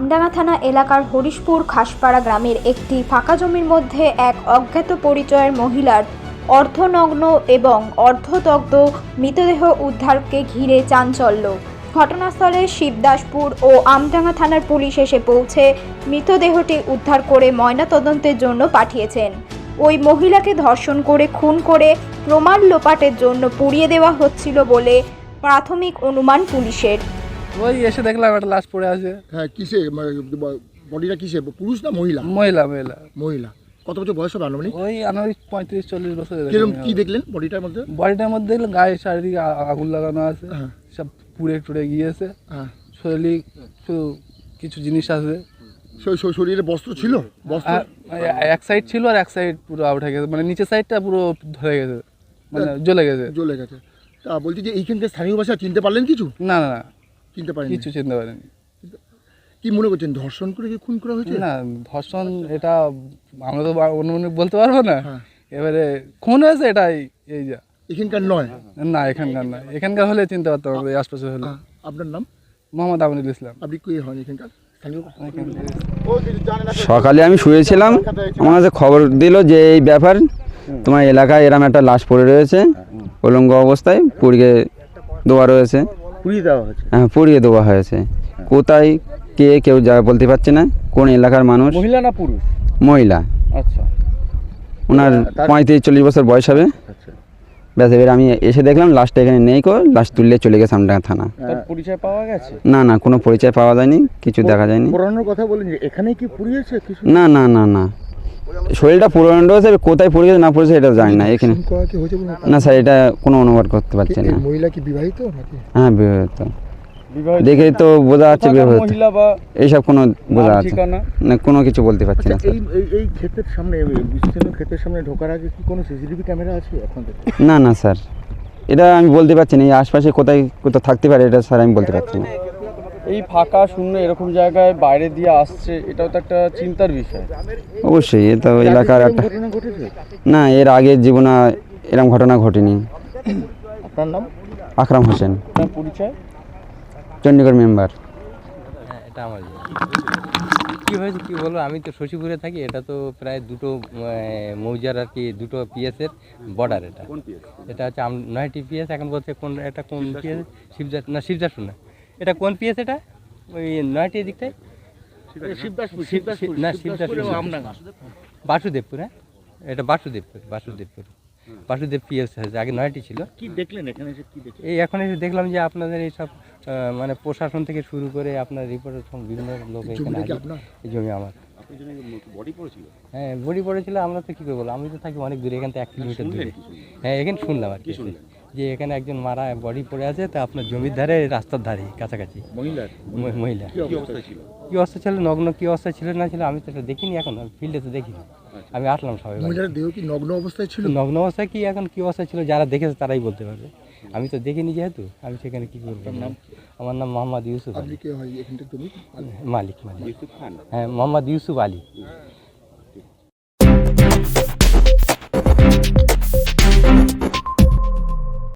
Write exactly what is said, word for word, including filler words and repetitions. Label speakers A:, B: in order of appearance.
A: আমডাঙ্গা থানা এলাকার হরিশপুর খাসপাড়া গ্রামের একটি ফাঁকা জমির মধ্যে এক অজ্ঞাত পরিচয়ের মহিলার অর্ধনগ্ন এবং অর্ধদগ্ধ মৃতদেহ উদ্ধারকে ঘিরে চাঞ্চল্য। ঘটনাস্থলে শিবদাসপুর ও আমডাঙ্গা থানার পুলিশ এসে পৌঁছে মৃতদেহটি উদ্ধার করে ময়নাতদন্তের জন্য পাঠিয়েছেন। ওই মহিলাকে ধর্ষণ করে খুন করে প্রমাণ লোপাটের জন্য পুড়িয়ে দেওয়া হচ্ছিল বলে প্রাথমিক অনুমান পুলিশের।
B: ওই এসে দেখলাম একটা লাশ পড়ে আছে।
C: হ্যাঁ, কিসে বডিটা কিসে, পুরুষ না মহিলা?
B: মহিলা মহিলা
C: মহিলা। কত বছর বয়স হবে আনুমানিক?
B: ওই আনুমানিক পঁয়ত্রিশ চল্লিশ বছর।
C: কিরকম কি দেখলেন বডিটার মধ্যে?
B: বডিটার মধ্যে দেখলেন গায়ে চারিদিকে আগুন লাগানো আছে,
C: হ্যাঁ,
B: সব পুড়ে টুড়ে গিয়েছে।
C: হ্যাঁ,
B: শরীরে শুধু কিছু জিনিস আছে।
C: শরীরে বস্ত্র ছিল? বস্ত্র
B: এক সাইড ছিল আর এক সাইড পুরো আউট হয়ে গেছে, মানে নিচের সাইডটা পুরো ধরে গেছে, মানে জ্বলে গেছে
C: জ্বলে গেছে। তা বলছি যে এইখানকার স্থানীয় ভাষা চিনতে পারলেন কিছু?
B: না না না
C: চিনতে পারেন
B: কিছু চিনতে পারেনি।
C: কি মনে করছেন, ধর্ষণ করে কি খুন করা হয়েছে?
B: না, ধর্ষণ এটা আমরা তো অনুমানিক বলতে পারবো না।
C: হ্যাঁ।
B: এবারে খুন হয়েছে এটাই, এই যা।
C: এখানকার নয়?
B: না, এখানকার না। এখানকার হলে চিনতে পারতাম, এই আশপাশে হলে।
C: আপনার নাম?
B: মোহাম্মদ আমিনুল ইসলাম।
C: আপনি কি হন এখানকার স্থানীয়?
D: সকালে আমি শুয়েছিলাম, আমার কাছে খবর দিল যে এই ব্যাপার, তোমার এলাকায় এরকম একটা লাশ পড়ে রয়েছে, উলঙ্গ অবস্থায় পুড়িয়ে দেওয়া রয়েছে।
C: পুড়িয়ে দেওয়া হয়েছে?
D: হ্যাঁ, পুড়িয়ে দেওয়া হয়েছে। কোথায় কে কেউ যা বলতে পারছে না, কোন এলাকার মানুষ।
C: মহিলা না পুরুষ?
D: মহিলা।
C: আচ্ছা।
D: ওনার পঁয়ত্রিশ চল্লিশ বছর বয়স হবে। ব্যাস, এবার আমি এসে দেখলাম লাশটা এখানে নেই, কো লাশ তুললে চলে গেছে আমডাঙ্গা থানা।
C: পরিচয় পাওয়া গেছে?
D: না না, কোনো পরিচয় পাওয়া যায়নি, কিছু দেখা যায়নি।
C: পুরানোর কথা বলেন যে এখানে কি পুড়িয়েছে কিছু? না
D: না না না, শরীরটা পুরনো রয়েছে, কোথায় পড়ে গেছে না পড়েছে এটা জানি না। এখানে না স্যার, এটা কোনো অনুবাদ করতে পারছি না।
C: মহিলা কি বিবাহিত নাকি?
D: হ্যাঁ, বিবাহিত। দেখে তো বোঝা যাচ্ছে বিবাহিত, এইসব কোনো বোঝা যাচ্ছে না, কোনো কিছু বলতে পারছি না।
C: এই এই ক্ষেতের সামনে, বিস্তীর্ণ ক্ষেতের সামনে ঢোকার আগে কি কোনো সিসিটিভি ক্যামেরা আছে আপনাদের?
D: না না স্যার, এটা আমি বলতে পারছি না। এই আশপাশে কোথায় কোথাও থাকতে পারে এটা স্যার আমি বলতে পারছি না।
E: এই ফাঁকা শূন্য এরকম জায়গায় বাইরে দিয়ে আসছে, এটাও তো একটা চিন্তার বিষয়।
D: অবশ্যই, এটা এলাকার একটা
C: ঘটনা ঘটেছে।
D: না, এর আগের জীবনে এরকম ঘটনা ঘটেনি।
C: আপনার নাম?
D: আকরাম হোসেন।
E: তার পরিচয়?
D: চণ্ডীগড় মেম্বার।
F: হ্যাঁ, এটা আমার কী হয়েছে কী বলবো, আমি তো শশীপুরে থাকি। এটা তো প্রায় দুটো মৌজার আর কি, দুটো পিএসের বর্ডার। এটা এটা হচ্ছে নয়টি পিএস। এখন বলছে কোন এটা কোন পিএস, শিবজা না শিবদাসপুর না, এটা কোন পিএস? এটা ওই নয়টি দিকটায় না, শিবদাসপুর বাসুদেবপুর। হ্যাঁ, এটা বাসুদেবপুর বাসুদেবপুর বাসুদেব পিএস হয়েছে, আগে নয়টি ছিল।
C: কি দেখলেন এখানে এসে? কি দেখলেন?
F: এই এখন এসে দেখলাম যে আপনাদের এইসব মানে প্রশাসন থেকে শুরু করে আপনার রিপোর্টার বিভিন্ন লোক এখানে আছে। এই জমি আমার। হ্যাঁ, বডি পড়েছিল। আমরা তো কী করে বলবো, আমি তো থাকি অনেক দূরে, এখান থেকে এক কিলোমিটার দূরে। হ্যাঁ, এখানে শুনলাম আর কি, যে এখানে একজন মারা বডি পড়ে আছে, তা আপনার জমির ধারে, রাস্তার ধারে কাছাকাছি। মহিলা মহিলা কী অবস্থা ছিল, নগ্ন কী অবস্থা ছিল না ছিল আমি তো এটা দেখিনি, এখন ফিল্ডে তো দেখিনি। আমি আসলাম সবাই।
C: মহিলার দেহ কি নগ্ন অবস্থায় ছিল?
F: নগ্ন অবস্থায় কি এখন কী অবস্থা ছিল, যারা দেখেছে তারাই বলতে পারবে। আমি তো দেখিনি যেহেতু, আমি সেখানে কী করবো। আমার নাম মোহাম্মদ ইউসুফ আলী।
C: মালিক মালিক।
F: হ্যাঁ, মোহাম্মদ ইউসুফ আলী।